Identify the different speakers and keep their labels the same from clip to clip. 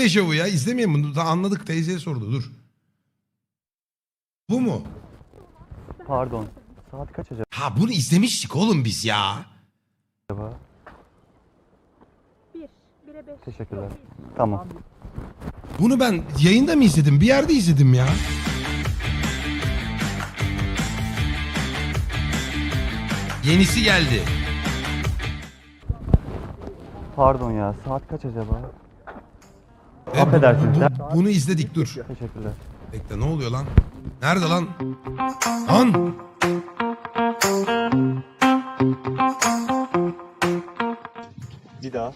Speaker 1: dejavu ya. İzlemeyin bunu. Daha anladık. Teyzeye sordu. Dur. Bu mu?
Speaker 2: Pardon. Saat kaç
Speaker 1: Ha bunu izlemiştik oğlum biz ya.
Speaker 2: acaba?
Speaker 3: 1'e 5.
Speaker 2: Teşekkürler. Tamam.
Speaker 1: Bunu ben yayında mı izledim? Bir yerde izledim ya. Yenisi geldi.
Speaker 2: Pardon ya. Saat kaç acaba?
Speaker 1: E,
Speaker 2: Affedersiniz.
Speaker 1: bunu izledik dur.
Speaker 2: Teşekkürler.
Speaker 1: Bekle ne oluyor lan? Nerede lan? Lan!
Speaker 4: Bir daha.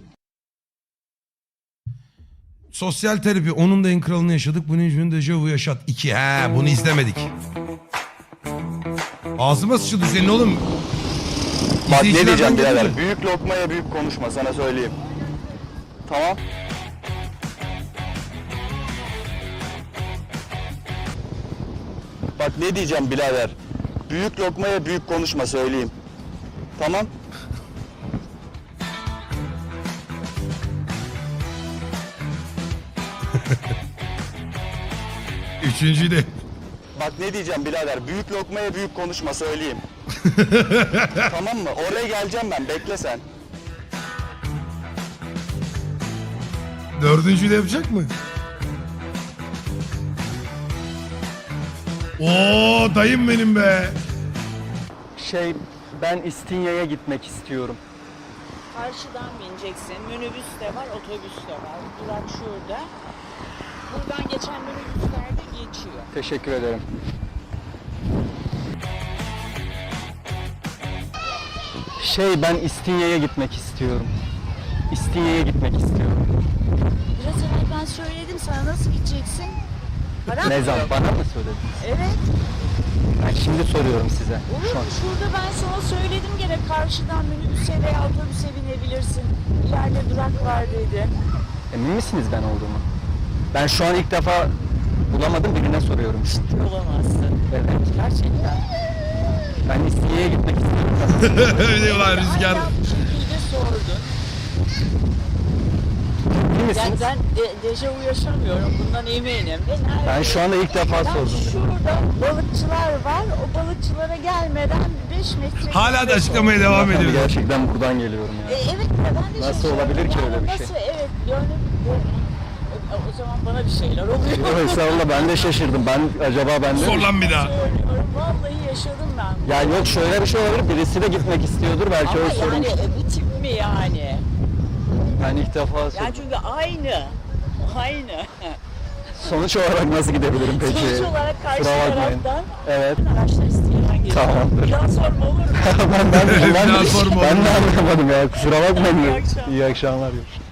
Speaker 1: Sosyal terapi. Onun da en kralını yaşadık. Bunun için dejavu yaşat. 2. He bunu izlemedik. Ağzıma sıçıldı senin oğlum.
Speaker 4: Bak ne
Speaker 1: İzleyicilerden
Speaker 4: diyeceğim
Speaker 1: geliyor.
Speaker 4: birader. Büyük lokmaya büyük konuşma sana söyleyeyim. Tamam. Bak ne diyeceğim birader. Büyük lokmaya büyük konuşma söyleyeyim. Tamam.
Speaker 1: Üçüncüyü de.
Speaker 4: Bak ne diyeceğim birader. Büyük lokmaya büyük konuşma söyleyeyim. Tamam mı? Oraya geleceğim ben. Bekle sen.
Speaker 1: Dördüncüyü de yapacak mı? Oo dayım benim be.
Speaker 2: Ben İstinye'ye gitmek istiyorum.
Speaker 5: Karşıdan bineceksin. Minibüs de var, otobüs de var. Durak şurada. Buradan geçen minibüsler de geçiyor.
Speaker 2: Teşekkür ederim. Ben İstinye'ye gitmek istiyorum. İstinye'ye gitmek istiyorum.
Speaker 5: Biraz evvel ben söyledim sana nasıl gideceksin? Para
Speaker 2: Ne
Speaker 5: mı
Speaker 2: zaman?
Speaker 5: yok?
Speaker 2: Bana mı söyledin?
Speaker 5: Evet.
Speaker 2: Ben şimdi soruyorum size.
Speaker 5: Olur
Speaker 2: Şu an.
Speaker 5: mu? Şurada ben sana söyledim gene karşıdan minibüse veya otobüse binebilirsin. İleride durak var dedi.
Speaker 2: Emin misiniz ben olduğumu? Ben şu an ilk defa bulamadım, birine soruyorum işte.
Speaker 5: Bulamazsın.
Speaker 2: Evet.
Speaker 5: Gerçekten.
Speaker 2: Ben İstinye'ye gitmek istiyorum.
Speaker 1: Öyle diyorlar rüzgar.
Speaker 5: Aynen bu şekilde sordun.
Speaker 2: Emin
Speaker 5: Yani
Speaker 2: misiniz?
Speaker 5: ben dejavu yaşamıyorum. Bundan eminim.
Speaker 2: Ben şu anda ilk defa
Speaker 5: Ben
Speaker 2: sordum.
Speaker 5: şurada balıkçılar var. O balıkçılara gelmeden 5 metre...
Speaker 1: Hala da açıklamaya devam
Speaker 2: Tabii
Speaker 1: ediyor.
Speaker 2: gerçekten buradan geliyorum ya.
Speaker 5: Evet de ben de
Speaker 2: Nasıl
Speaker 5: şaşırdım.
Speaker 2: olabilir ki
Speaker 5: Yani
Speaker 2: öyle bir şey?
Speaker 5: Nasıl evet yani o zaman bana bir şeyler oluyor.
Speaker 2: Yok estağfurullah, ben de şaşırdım. Acaba ben de...
Speaker 1: Sor lan bir daha.
Speaker 5: Söylüyorum vallahi yaşadım ben.
Speaker 2: Ya yok, şöyle bir şey olabilir. Birisi de gitmek istiyordur. Belki
Speaker 5: Ama
Speaker 2: öyle sormuş.
Speaker 5: yani bir tip mi yani?
Speaker 2: Ben ilk defa
Speaker 5: Yani çünkü aynı.
Speaker 2: Sonuç olarak nasıl gidebilirim peki?
Speaker 5: Sonuç olarak karşı
Speaker 2: Kusura bakmayın.
Speaker 5: taraftan
Speaker 2: Evet.
Speaker 5: araçlar isteyenen geliyor.
Speaker 2: Tamamdır.
Speaker 5: Bir daha sorma olur mu?
Speaker 1: Bir daha sorma
Speaker 2: ben
Speaker 1: oğlum.
Speaker 2: de anlamadım ya. Kusura bakmayın.
Speaker 5: İyi akşamlar.
Speaker 2: İyi akşamlar.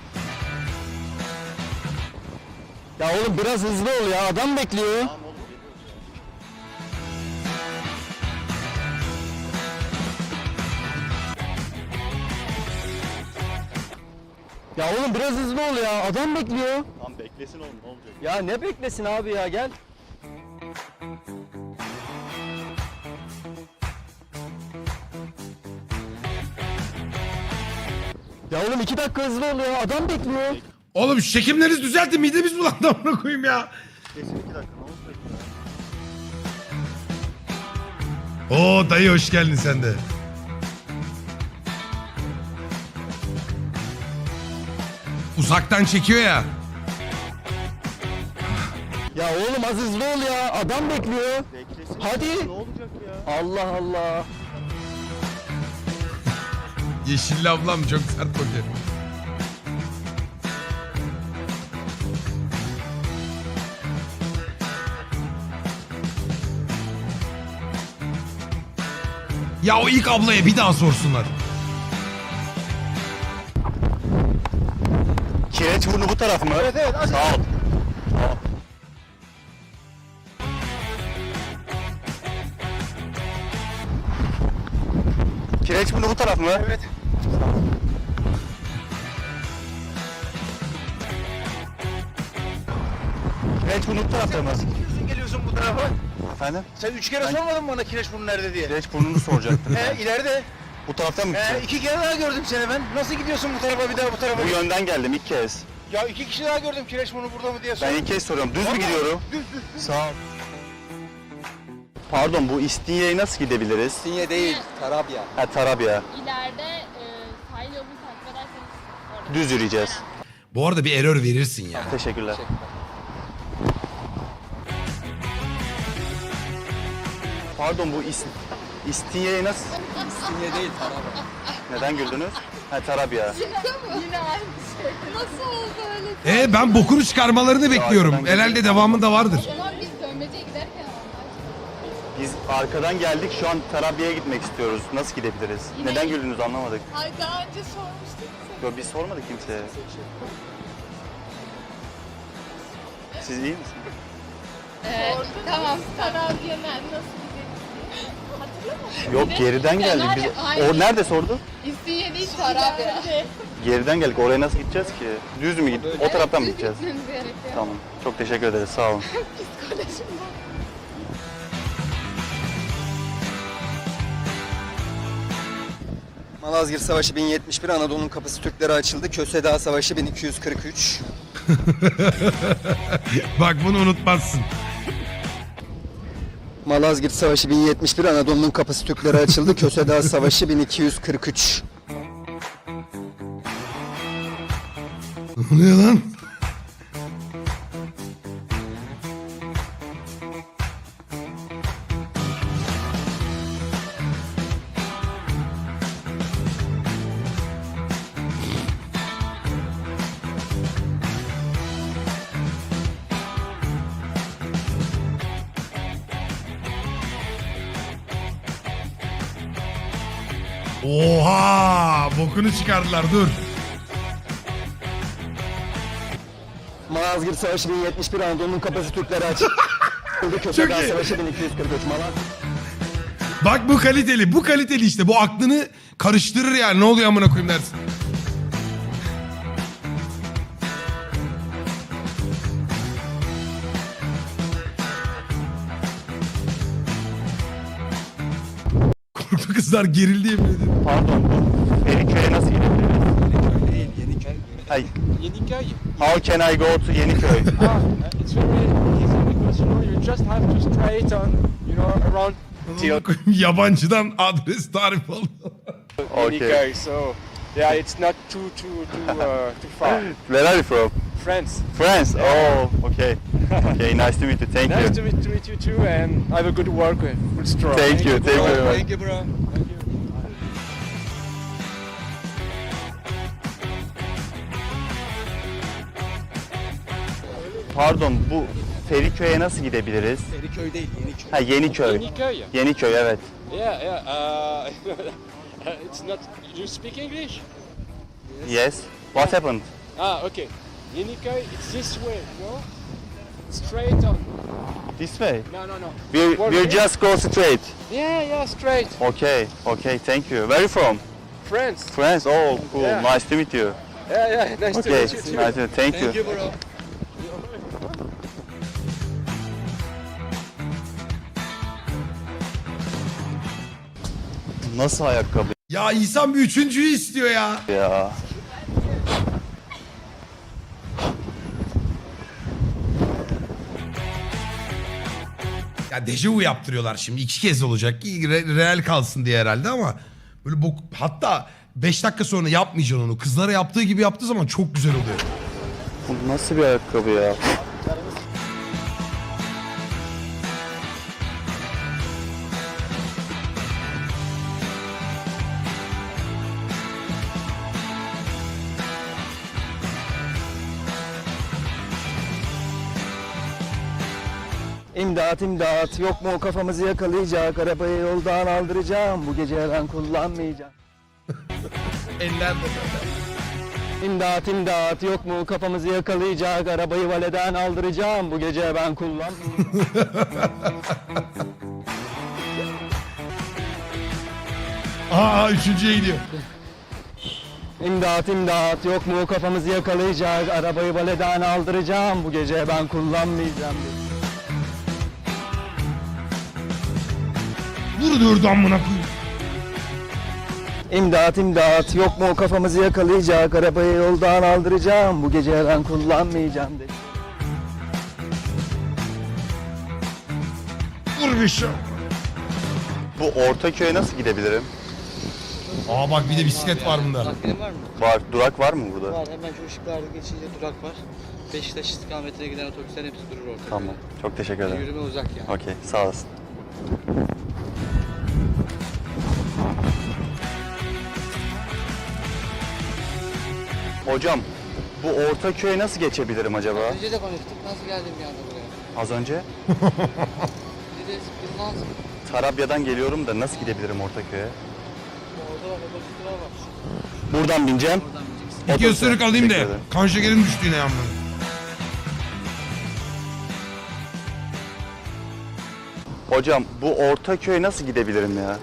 Speaker 2: Ya oğlum biraz hızlı ol ya. Adam bekliyor. Ya oğlum biraz hızlı ol ya. Adam bekliyor.
Speaker 4: Tamam beklesin oğlum ne olacak?
Speaker 2: Ya ne beklesin abi ya, gel. Ya oğlum 2 dakika hızlı ol ya. Adam bekliyor.
Speaker 1: Oğlum şu çekimlerinizi düzeltin. Midemiz bulandı amına koyayım ya.
Speaker 4: Kesin 2 dakika ne olacak ya?
Speaker 1: Oo dayı hoş geldin sen de. Uzaktan çekiyor ya.
Speaker 2: Ya oğlum az hızlı ol ya. Adam bekliyor.
Speaker 4: Beklesin.
Speaker 2: Hadi.
Speaker 4: Ne olacak ya?
Speaker 2: Allah Allah.
Speaker 1: Yeşilli ablam çok sert bakıyor. Ya o ilk ablaya bir daha sorsunlar.
Speaker 4: Kireçburnu bu taraf mı? Evet evet. Sağ ol. Tamam. Kireçburnu bu taraf mı? Evet. Kireçburnu bu tarafta mı?
Speaker 6: Geliyorsun bu tarafa.
Speaker 4: Efendim?
Speaker 6: Sen 3 kere sormadın mı bana Kireçburnu nerede diye?
Speaker 4: Kireçburnu'nu soracaktım.
Speaker 6: İleride.
Speaker 4: Bu taraftan mı gideceğim?
Speaker 6: 2 kere daha gördüm seni ben. Nasıl gidiyorsun bu tarafa bir daha bu tarafa?
Speaker 4: Bu yönden geldim ilk kez.
Speaker 6: Ya 2 kişi daha gördüm kireç bunu burada mı diye
Speaker 4: Ben
Speaker 6: sordum.
Speaker 4: ilk kez soruyorum. Düz mü gidiyorum? Sağ ol. Pardon, bu İstinye'ye nasıl gidebiliriz?
Speaker 2: Sinye değil, Tarabya.
Speaker 4: Ha, Tarabya.
Speaker 3: İleride sahil yolunu takip ederseniz orada.
Speaker 4: Düz yürüyeceğiz.
Speaker 1: Bu arada bir error verirsin ya.
Speaker 4: Teşekkürler. Pardon, bu İstinye'ye nasıl...
Speaker 2: Sinye değil, Tarabya.
Speaker 4: Neden güldünüz? Ha, Tarabya.
Speaker 3: Yine aynı şey. Nasıl oldu öyle?
Speaker 1: Ben bokunu çıkarmalarını bekliyorum.
Speaker 4: arkadan
Speaker 1: Herhalde devamında vardır.
Speaker 3: O zaman biz dönmeceye giderken
Speaker 4: Biz arkadan geldik, şu an Tarabya'ya gitmek istiyoruz. Nasıl gidebiliriz?
Speaker 3: Yine-
Speaker 4: Neden güldünüz anlamadık.
Speaker 3: Ay daha önce sormuştuk.
Speaker 4: Yo, biz sormadık kimseye. Siz iyi misiniz?
Speaker 3: Tamam. Tarabya'dan nasıl gidelim? Hatırlamadın mı?
Speaker 4: Yok, geriden geldik. Biz... O nerede sordu?
Speaker 3: İstinye değil Tarabya.
Speaker 4: Geriden geldik. Oraya nasıl gideceğiz ki? Düz mü gideceğiz? O taraftan mı gideceğiz?
Speaker 3: Gitmemiz gerekiyor.
Speaker 4: Tamam. Çok teşekkür ederiz. Sağ olun.
Speaker 3: Psikolojim bozuldu.
Speaker 2: Malazgirt Savaşı 1071, Anadolu'nun kapısı Türklere açıldı. Köse Dağı Savaşı 1243.
Speaker 1: Bak bunu unutmazsın.
Speaker 2: Malazgirt Savaşı 1071, Anadolu'nun kapısı Türklere açıldı. Köse Dağı Savaşı 1243.
Speaker 1: Ne oluyor lan? Oha! Bokunu çıkardılar dur.
Speaker 2: Malazgirt Savaşı 1071, Anadolu'nun kapısı Türklere açıldı. Köse
Speaker 1: Çok
Speaker 2: Dağı
Speaker 1: iyi.
Speaker 2: Savaşı 1243.
Speaker 1: Bak bu kaliteli. Bu kaliteli işte. Bu aklını karıştırır yani. Ne oluyor amına koyayım dersin. Korktu kızlar gerildi yemin ederim.
Speaker 4: Pardon, bu Feriköy'e nasıl gidebiliriz?
Speaker 2: Değil, Yeniköy.
Speaker 4: Hayır.
Speaker 6: Yeniköy.
Speaker 4: How can I go to Yeniköy?
Speaker 6: It's very easy because you just have to straight on, around
Speaker 1: Amına koyayım, yabancıdan adres tarif oldu.
Speaker 4: Okay.
Speaker 6: So yeah, it's not too far.
Speaker 4: Where are you from?
Speaker 6: France.
Speaker 4: France. Oh, okay. Okay, nice to meet you. Thank
Speaker 6: Nice
Speaker 4: you.
Speaker 6: to meet you too, and have a good work with good straw.
Speaker 4: Thank you. Thank you very much.
Speaker 2: Thank you bro.
Speaker 4: Pardon, bu Feriköy'e nasıl gidebiliriz?
Speaker 2: Feriköy değil, Yeniköy.
Speaker 4: Ha, Yeniköy.
Speaker 6: Yeniköy.
Speaker 4: Yeniköy, evet.
Speaker 6: Yeah. It's not. You speak English?
Speaker 4: Yes. What happened?
Speaker 6: Okay. Yeniköy. It's this way. No. Straight on.
Speaker 4: This way.
Speaker 6: No.
Speaker 4: We'll just go straight.
Speaker 6: Yeah. Straight.
Speaker 4: Okay. Okay. Thank you. Where are you from?
Speaker 6: France.
Speaker 4: France. Oh, cool.
Speaker 6: Yeah.
Speaker 4: Nice to meet you.
Speaker 6: Yeah. Nice to
Speaker 4: Okay.
Speaker 6: meet you too.
Speaker 4: Nice to thank you.
Speaker 2: bro.
Speaker 4: Nasıl ayakkabı
Speaker 1: Ya insan bir üçüncüyü istiyor ya.
Speaker 4: ya?
Speaker 1: Ya dejavu yaptırıyorlar şimdi. 2 kez olacak. Real kalsın diye herhalde ama böyle bok, hatta 5 dakika sonra yapmayacaksın onu. Kızlara yaptığı gibi yaptığı zaman çok güzel oluyor.
Speaker 4: Bu nasıl bir ayakkabı ya?
Speaker 2: İmdat imdat, yok mu kafamızı yakalayacak, arabayı yoldan aldıracağım, bu gece ben kullanmayacağım.
Speaker 1: Eller de
Speaker 2: İmdat imdat, yok mu kafamızı yakalayacak, arabayı valeden aldıracağım, bu gece ben kullanmayacağım.
Speaker 1: Aa üçüncüye gidiyor.
Speaker 2: İmdat imdat, yok mu kafamızı yakalayacak, arabayı valeden aldıracağım, bu gece ben kullanmayacağım.
Speaker 1: Vur diyordu amına koyayım.
Speaker 2: İmdat imdat yok mu kafamızı yakalayacak, arabayı yoldan aldıracağım, bu gece ben kullanmayacağım dedi.
Speaker 1: Vur bir şey.
Speaker 4: Bu Ortaköy'e nasıl gidebilirim?
Speaker 1: Aa bak bir de bisiklet var bunda.
Speaker 7: Takviyetin var mı?
Speaker 4: Var. Durak var mı burada?
Speaker 7: Var. Hemen şu ışıklarda geçince durak var. Beşiktaş istikametine giden otobüslerin hepsi durur orada.
Speaker 4: Tamam. Çok teşekkür ederim.
Speaker 7: Yürüme uzak yani.
Speaker 4: Okey. Sağ olasın. Hocam, bu Ortaköy'e nasıl geçebilirim acaba?
Speaker 7: Önce de konuştuk. Nasıl geldim bir anda buraya?
Speaker 4: Az önce
Speaker 7: Bir de bir lazım.
Speaker 4: Tarabya'dan geliyorum da nasıl gidebilirim Ortaköy'e?
Speaker 7: Orada bak otobüsler var.
Speaker 4: Buradan bineceğim.
Speaker 7: Oradan bineceksin.
Speaker 1: İki
Speaker 4: Otobüse.
Speaker 1: ısırık alayım
Speaker 4: Teşekkür
Speaker 1: da
Speaker 4: ederim.
Speaker 1: kan şekerim düştü yine yalnız.
Speaker 4: Hocam, bu Ortaköy'e nasıl gidebilirim ya?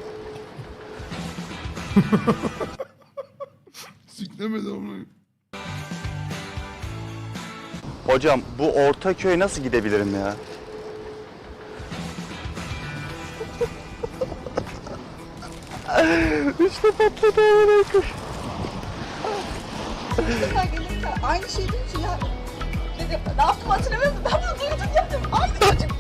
Speaker 1: Siklemedi onu.
Speaker 4: Hocam, bu Ortaköy'e nasıl gidebilirim ya? İşte patladı amına koyayım.
Speaker 8: Aynı şey değil ki ya. Ne yaptım hatırlamıyorum. Ben bunu duydum yaptım. Aynı çocuk.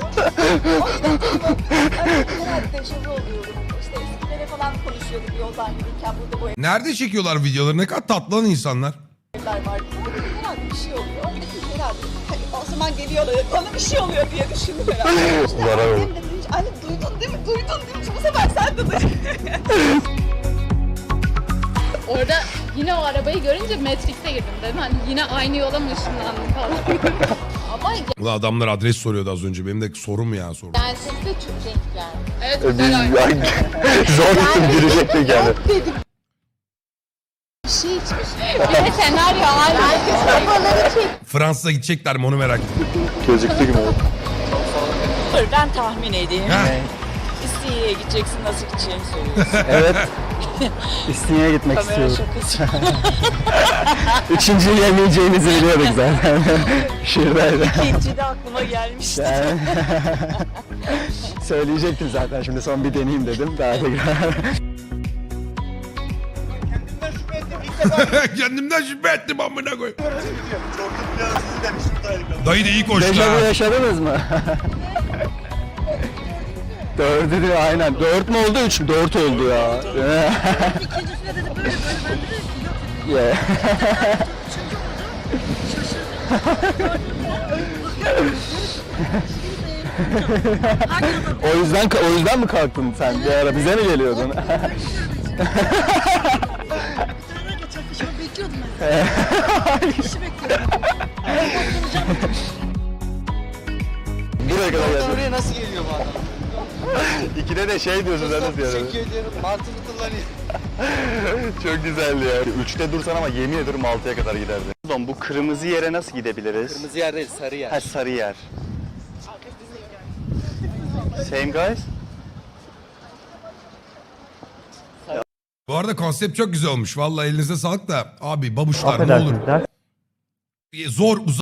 Speaker 8: Genelde dejavu oluyorum. İşte eskilere falan konuşuyorduk yoldan giderken burada bu
Speaker 1: Nerede çekiyorlar videoları? Ne kadar tatlı lan insanlar.
Speaker 8: evler var. Herhalde bir şey oluyor. Herhalde hani o zaman geliyorlar. Bana bir şey oluyor diye düşündüm herhalde. İşte
Speaker 4: Zarar
Speaker 8: annem
Speaker 4: oldu.
Speaker 8: de demiş, anne duydun değil mi? Duydun değil mi? Bu sefer sen de duydun.
Speaker 3: Orada yine o arabayı görünce Matrix'e girdim dedim. Hani yine aynı yola mı ışınlandım falan. Ama
Speaker 1: Ulan adamlar adres soruyordu az önce. Benim de sorum ya sorum.
Speaker 3: yani sesi de çok renkler. Evet
Speaker 4: Biz
Speaker 3: güzel oynuyor.
Speaker 4: zor girecektik yani.
Speaker 3: Bir şey içmiş. Bir de senaryo aynı. Kafaları çek.
Speaker 1: Fransa'ya gidecekler mi onu merak ettim.
Speaker 4: Gözüktü gibi.
Speaker 5: Dur ben tahmin edeyim.
Speaker 1: Heh.
Speaker 5: İstinye'ye gideceksin, nasıl gideceğini söylüyorsun.
Speaker 2: Evet. İstinye'ye gitmek
Speaker 5: Kamera
Speaker 2: istiyorum.
Speaker 5: şakası.
Speaker 2: Üçüncüyü yemeyeceğinizi biliyorduk zaten. Şuradaydı.
Speaker 5: İkinci de aklıma gelmişti.
Speaker 2: Yani söyleyecektim zaten, şimdi son bir deneyeyim dedim. Daha tekrar.
Speaker 1: Kendimden şüphe ettim amına koy. Dayı da iyi koştu
Speaker 2: Dejavu
Speaker 1: ha.
Speaker 2: yaşadınız mı? Dördü de aynen. 4 mü oldu 3 mü? 4 oldu ya.
Speaker 8: İkincisine dedi böyle ben de
Speaker 2: Yeah. o yüzden mi kalktın sen? Bir ara bize mi geliyordun?
Speaker 8: bekliyordum ben. İşi bekliyordum.
Speaker 2: Buraya kadar geldim.
Speaker 7: Oraya nasıl geliyor bu adam?
Speaker 4: İkide de şey diyorsun sen nasıl yani?
Speaker 7: Teşekkür ediyorum. Mantığını kullanıyor.
Speaker 4: Çok güzeldi ya. 3'te dursan ama yemin ediyorum 6'ya kadar giderdi. Pardon, bu kırmızı yere nasıl gidebiliriz?
Speaker 7: Kırmızı yer değil, sarı yer.
Speaker 4: Ha, sarı yer. Same guys?
Speaker 1: Bu arada konsept çok güzel olmuş. Vallahi elinize sağlık da. Abi babuşlar ne olur. Zor